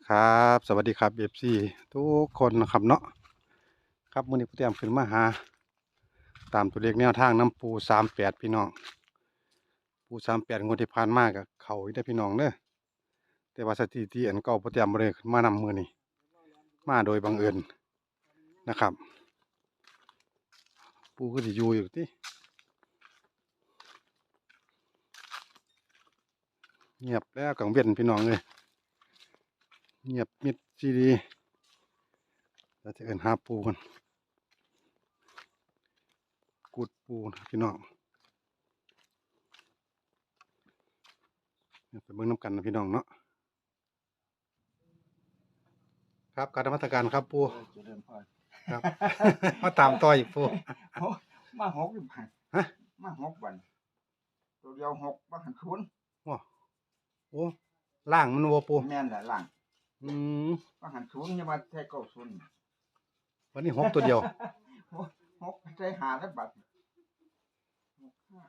ครับสวัสดีครับเอฟซีทุกคนนะครับเนาะครับมื้อนี้ผมเตรียมขึ้นมาหาตามตัวเลขแนวทางน้ำปู38พี่น้องปู38งวดที่ผ่านมากับเขาอีกได้อพี่น้องเด้อแต่ว่าสถิติอันเก่าผมเตรียมบ่ได้ขึ้นมานำมื้อนี้มาโดยบังเอิญนะครับปูก็สิอยู่ติเงียบแล้วกังเวียนพี่น้องเลยเงียบมิดซีดีเราจะเอิ้นหาปูกันกูดปูนะพี่น้องไปเบิ่งน้ำกันนะพี่น้องเนาะครับการนมัสการครับปูเจริญพรครับ มาตามต่ออีกปูโอ้มาหกอยู่ผ่านฮะมาหกวันตัวเดียวหกมาหันศูนย์ว้าโอ้ล่างมันวัวปูแม่นแหละหลังอืมมาหันศูนย์ยังมาใช้เก้าศูนย์วันนี้หกตัวเดียวหกใช้หาแล้วบัดหกห้า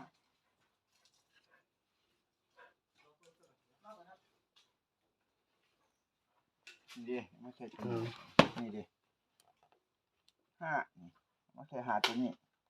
นี่ดิมาใช้ตัวนี้นี่ดิห้านี่มาใช้หาตัวนี้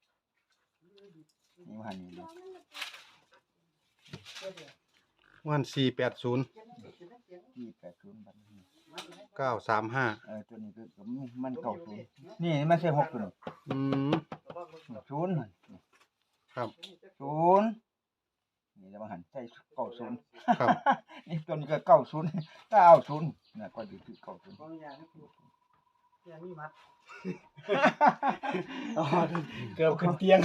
นี่มาหันนี่ดิวัน480 ที่80บัดนี้ 935 ตัวนี้ก็มันเก้าศูนย์นี่ไม่ใช่หกตัวนี้อืมศูนย์ครับศูนย์นี่จะมาหันใช่เก้าศูนย์ครับนี่ตัวนี้ก็90 90เนี่ยก็อยู่ที่90 เกือบขึ้นเตียง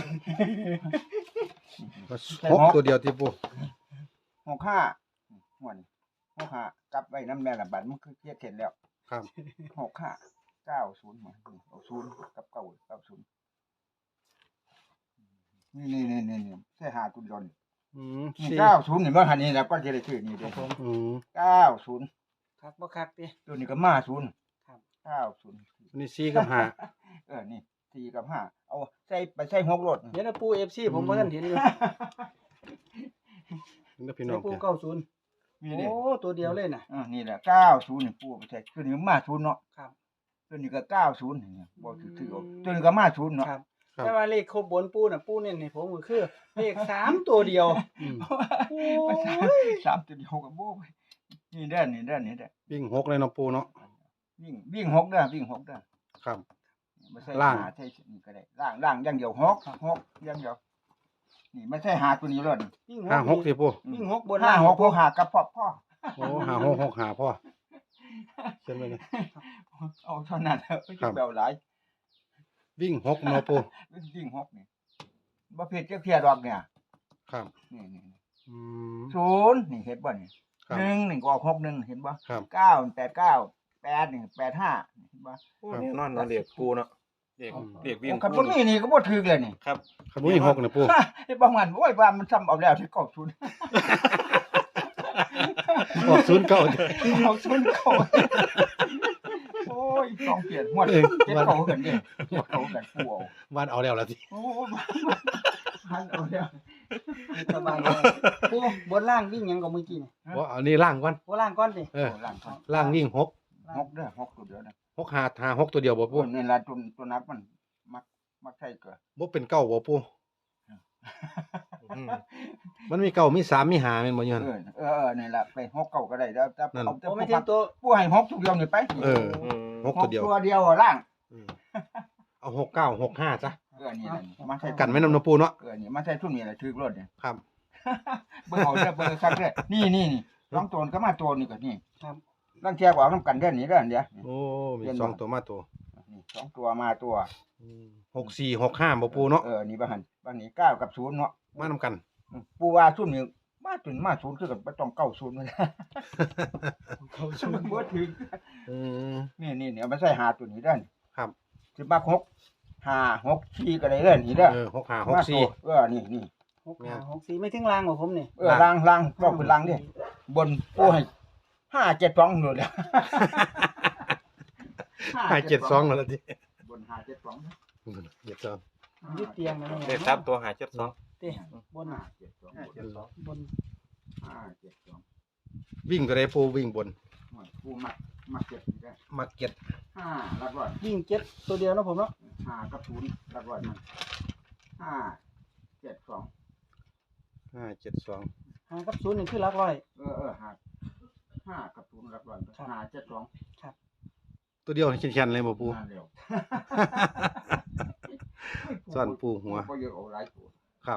หกตัวเดียวที่ปู 65หัวนี่65กลับไว้น้ำแม่ละบาดมันคือเครียดเสร็จแล้วครับ 65 90มาเอา0กับ90นี่ใช่หาตัวเดียวนี่อืมนี่สี่ 90นี่บ่หันนี่แล้วก็จะได้ชื่อนี่เด้ออืม 90 คักบ่คักติตัวนี้ก็มา0 ครับ 90 วันนี้4กับ5 นี่4กับ5เอาใส่ไปใส่6รถเดี๋ยวนะปู FC ผมบ่ทันเห็นอยู่นี่นะพี่น้องปูเด้อ 90 นี่ดิโอ้ตัวเดียวเลยน่ะนี่แหละ90นี่ปู่ไปใส่ตัวนี้มา0เนาะครับตัวนี้ก็90นี่บ่ถือเอาตัวนี้ก็มา0เนาะครับครับแต่ว่าเลขครบบนปูน่ะปูเน้นให้ผมก็คือเลข3ตัวเดียวอืมโอ้ไปยสามตัวเดียวก็บ่ไปนี่เด้อนี่เด้อวิ่งหกเลยเนาะปูเนาะวิ่ง6เด้อวิ่ง6เด้อครับไม่ใช่ล่างหใช่นี่ก็ได้ล่างอย่างเดียว6อย่างเดียวนี่ไม่ใช่หาตัวนี้รถวิ่ง 5 6ที่ปูวิ่ง6บนห้าล่างหกพวกหากับพ่อโอ้5 6 6 5พ่อเขียนไว้เลยเอาเท่านั้นไม่ครัใช่บแบวหลายวิ่ง6เนาะปูวิ่ง6นี่บ่ผิดจักเที่ยดอกเนี่ยครับนี่อืม 0นี่เห็นบ่นี่ครับ 1นี่ก็ออก61เห็นบ่ครับ 9 89 8นี่85เห็นบ่แน่นอนเนาะเรียกปูเนาะเรียกอืมเรียกวิ่งคันปูบ่มีนี่ก็บ่ถูกเลยนี่ครับขบุยหกนะปูไอ้บางวันโอ้ยว่ามันซ้ำเอาแล้วที่เก้าศูนย์ออกศูนย์เก้าเอาศูนย์เก้าโอ้ยต้องเปลี่ยนหมดเออเจ็ดเก้ากันเด้เจ็ดเก้ากันกูเอาวันเอาแล้วล่ะสิโอ้ยพันเอาแล้วสบายเลยปูบนล่างวิ่งหยังก็เมื่อกี้นี่ว่าเอานี่ล่างก่อนบนล่างก่อนสิเออล่างก่อนล่างวิ่งหกหกเด้อหกตัวเดียวนะ 6 5 6ตัวเดียวบ่พปูวกนี่ล่ะตัวนักมันมักใส่เกลือบ่เป็นเก้าบ่ปูอืมมันมีเก้ามี3มี5แม่นบ่อยู่หั่นนี่ล่ะไปหกเก้าก็ได้แล้วแต่นั่นเอาแต่โอ้ผู้ไม่ถึงตัวผู้ให้หกตัวเดียวนี่ไปเอออืมหกตัวเดียวตัวเดียวอะล่างอืมเอา6 9 6 5จ้ะนี่ล่ะมาใส่กันไว้นำเนาะปูเนาะนี่มาใส่ทุ่นนี่แหละถือรถเนี่ยครับเบิ่งเอาเด้อเบิ่งซักเด้อนี่สองตัวก็มาตัวนี่ก็นี่ครับลังเทียบเอานำกันเด้อนี่เด้อเดี๋ยวโอ้มีเรียนสองบ่ตัวมาตัวนี่สองตัวมาตัว 6 4 6 5บ่ปูเนาะนี่บ่หันบางนี้9กับ0เนาะมานำกันปูว่าซุ่มนี่มาจนมา0คือกันบ่ต้อง90มันเขาชูมันบ่ถึงอืมนี่เอามาใส่หาตัวนี้เด้อครับสิมา6 5 6 4ก็ได้เด้อนี่เด้อ 6 5 มา 6 ตัว 4 นี่ 6 4ไม่ถึงล่างของผมนี่ล่างก็เป็นล่างดิบนปูให้5 7 2นู่นแหละ 5 7 2นั่นล่ะติบน5 7 2 7 2 ยึดเตียงนะเลขทับตัวหา72 ติบนน่ะ 5 7 2 บน 5 7 2 วิ่งตัวใดปูวิ่งบนปูมักเจ็ดได้มาเก็ตห้าหลักร้อยวิ่งเจ็ดตัวเดียวนะผมเนาะห้ากับศูนย์หลักร้อยมันห้าเจ็ดสอง 572 หากับศูนย์นี่คือหลักร้อยห้ากับศูนย์หลักร้อยครับห้าเจ็ดสองตัวเดียวแข็งๆเลยบ่ปูงานเร็วซ่อนปูหัวก็เยอะเอาหลายตัวครับ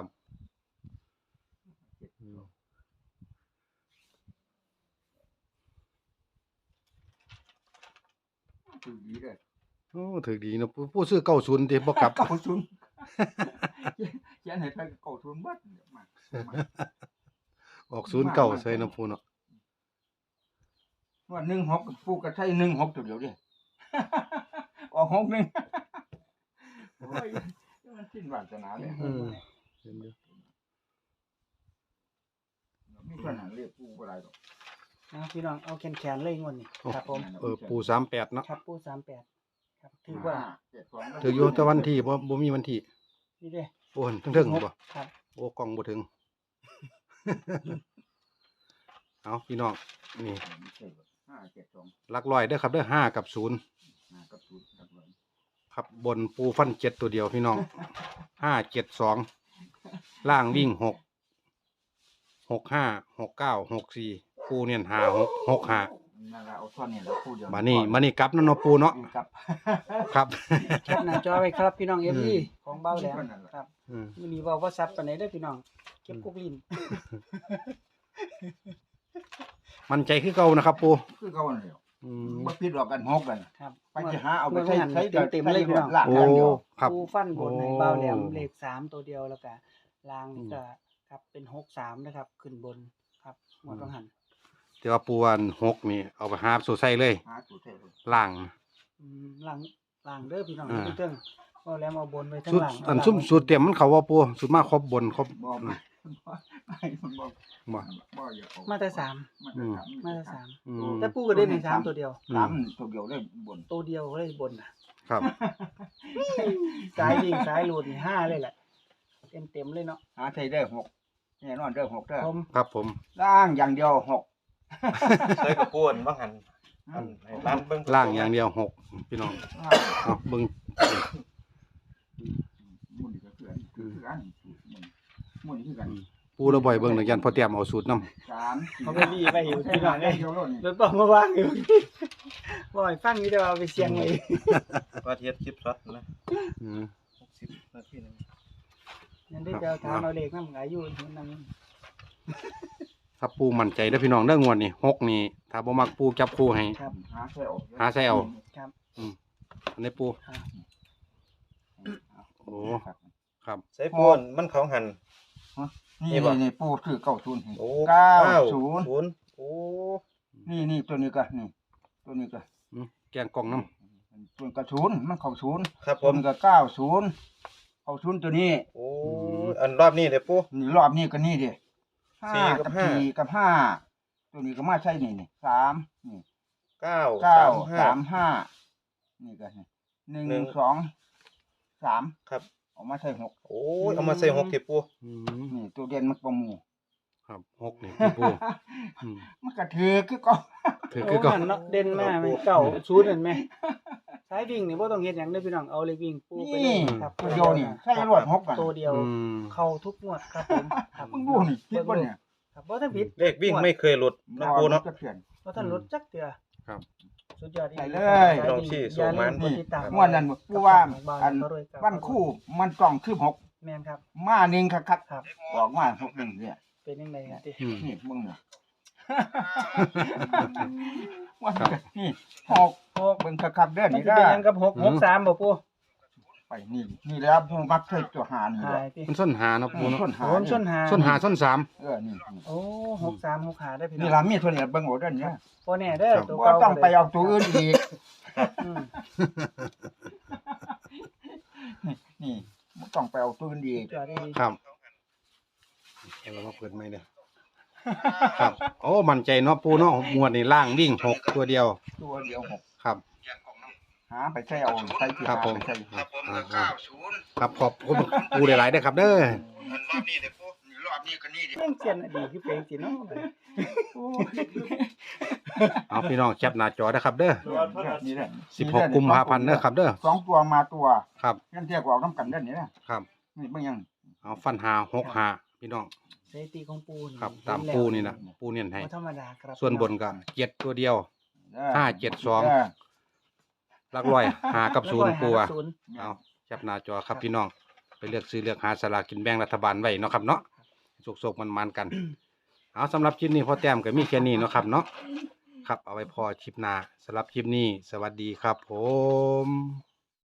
คือดีเลยโอ้ถือดีเนาะปูซื้อ90ติบ่กลับเก้าศูนย์เขียนให้ไปเก้าศูนย์เบิดมาออก09ใส่เนาะปูเนาะว่า16ปูก็ใช้16ตัวเดียวดิ ออก61โอ้ยมันสิ้นวาสนาเลยเห็นอยู่มีปัญหาเรียกปูบ่ได้ดอกพี่น้องเอาแขนเลยงวดนี้ครับผมปู38เนาะครับปู38ครับถือว่า 572 ถืออยู่แต่วันที่บ่มีวันที่นี่เด้โอ้ถึงๆบ่ครับโอ้กล้องบ่ถึง เอาพี่น้องนี่ 572 หลักร้อยเด้อครับเด้อ5กับ0 5กับ0หลักร้อยครับบนปูฟัน7ตัวเดียวพี่น้อง572ล่างวิ่ง6 65 69 64ปูเนี่ย5665 นั่นล่ะเอาท่อนนี้แล้วปูเดียวมานี่กลับเนาะปูเนาะครับครับแคปหน้าจอไว้ครับพี่น้อง FE ของเบ้าแหลมนั่นล่ะครับอืมมื้อนี้เว้าบ่ซับปานใดเด้อพี่น้องเก็บกุกลิ้นมันใจคือเก่านะครับปูคือเก่านั่นแหละอืมบ่ผิดหรอกกัน6กันครับไปสิหาเอาไปใช้ใช้เต็มๆเลยพี่น้องลากโอ้อย่างเดียวครับปูฟันบนในเบ้าแหลมโอ้เลข3ตัวเดียวแล้วก็ล่างนี่ก็ครับเป็น63นะครับขึ้นบนครับหมดต้องหันแต่ว่าปูวัน6นี่เอาไปหาสู่ใส่เลยหาตัวใช้เลยล่างล่างเด้อพี่น้องอ่าพี่เติ้งเบ้าแหลมเอาบนไว้ทั้งสุดล่างอันซุ่มสูตรเต็มมันเขาว่าปูสุดมากครบบนครบบ่ไม่มันบ่บ่บ่อย่าเอามาแต่มาแต่สาม 3 อืมแต่ปูก็ได้ใน3ตัวเดียวสามตัวเดียวได้บนตัวเดียวเลยบนน่ะครับสายวิ่งสายหลุดนี่5เลยแหละเต็มเลยเนาะหาไทยได้6แน่นอนได้6เด้อผมครับผมล่างอย่างเดียว6 ใส่กับปูนบ้างหันอันให้ร้านเบิ่งล่างอย่างเดียว6พี่น้องเอาเบิ่งมุนก็คืออันมุนคือกันปูระบ่อยเบิ่งหนึ่งยันพอเตรียมเอาสูตรนำ 3 เขาไปรีไปอยู่พี่น้องได้เอ้ยเดียวโลดนี่รถบอกมาว่างอยู่บ่อยฟังอยู่แต่ว่าเอาไปเสียงไว้ว่าเทียบคลิปช็อตนะอืม 60นาทีนึงนั่นได้จะถามเอาเลขนำอายุนั่นถ้าปูมั่นใจเด้อพี่น้องเด้องวดนี่6นี่ถ้าบ่มักปูจับคู่ให้ครับหาใส่ออกหาใส่เอาครับอันนี้ปูครับโอ้ครับใส่ปูนมันเขาหันนี่ปูคือ90 โอ้ 90 โอ้นี่ตัวนี้ก็นี่ตัวนี้ก็อืมแกงกล่องน้ตัวกระศูนย์มันเข้าศูนย์ครับผตัวมนี้ก็90เข้าศูนย์ตัวนี้โอ้อันรอบนี้เด้อปูนี่รอบนี้ก็นี่ดิสี่กับ 4กับ5ตัวนี้ก็มาใช่นี่3นี่ 9 9 3 3 5นี่ก็นี่1 2 3 ครับเอามาใส่6 โอ้ยเอามาใส่6ที่ปูำอืมนี่ตัวเด่นมันประหมูครับ6นี่คือปูอืมมันก็ถือคือก็คือโอ้คือก็หันเนาะเด่นมากมันเก่าศูนย์เห็นไหมสายวิ่งนี่บ่ต้องเฮ็ดหยังเด้อพี่น้องเอาเลยวิ่งปูไปเลยนี่ครับตัวเดียวนี่ใช่รวด6กันตัวเดียวอืมเข้าทุกงวดครับผมครับมึงดูนี่คิดบ่เนี่ยครับบ่ทันผิดเลขวิ่งไม่เคยหลุดนะปูเนาะจะเปลี่ยนบ่ทันลดจักเทื่อครับสุดยอดอีกไปเลยลองชี้ส่งมันอย่าลืกดติดตามม่วนนั่นผู้ว่าอันกับวันคู่มันต้องคือ6 แม่นครับมาหนึ่งคักครับๆออกมา6 1เนี่ยเป็นยังไงครับอืมนี่มึงเนี่ยวันก็นี่6เบิ่งคักๆเด้อมันนี่สิเด้เป็นอหยังกับ663บ่ปู่ไปนี่แล้วผู้มักเคยตัวหานี่หาแหละยติมันส้นหาเนาะปูเนาะส้นหาโอ้ส้นหาส้นหาส้นสามนี่โอ้63 65ได้พี่น้นี่องล่ะมีตัวนี้เบิ่งเอาเด้อเนี่ยบ่แน่เด้อตัวบ่เก่าต้องไปเอาตัวอื่นอีกอืมนี่บ่ต้องไปเอาตัวอื่นอีกสุดยอดอีกครับเรามาเปิดไม่เด้อครับ โอ้มั่นใจเนาะปูเนาะงวดนี่ล่างวิ่ง6ตัวเดียวตัวเดียว6 ครับหาไปใช้เอาใช้ที่ครับหาผมไปใช้ครับขอบคุณปูหลายๆเด้อครับเด้อรอบนี้ก็นี่ดิเรื่องเสียนอดีตคือเป็นสิเนาะโอ้ยเอาพี่น้องแคปหน้าจอนะครับเด้อนี่แหละ 16 กุมภาพันธ์เด้อครับเด้อสองตัวมาตัวครับนั่นเทียบกับออกน้ำกันเด้านนี่นะครับ นี่เบิ่งยังเอาฟันหา6หาพี่น้องสถิติของปูนี่ครับเห็ตามแล้วปูนี่นะปูเน้นให้บ่ธรรมดาครับส่วนบนก็7ตัวเดียว 572 เออหลักร้อยหากับศูนย์ปูอะศูนย์เอาแคปหน้าจอครับพี่น้องไปเลือกซื้อเลือกหาสลากกินแบ่งรัฐบาลไว้เนาะครับเนาะโศกๆมันๆกัน เอาสำหรับคลิปนี้พอแต้มก็มีแค่นี้เนาะครับเนาะครับเอาไว้พอคลิปหน้าสำหรับคลิปนี้ สวัสดีครับผม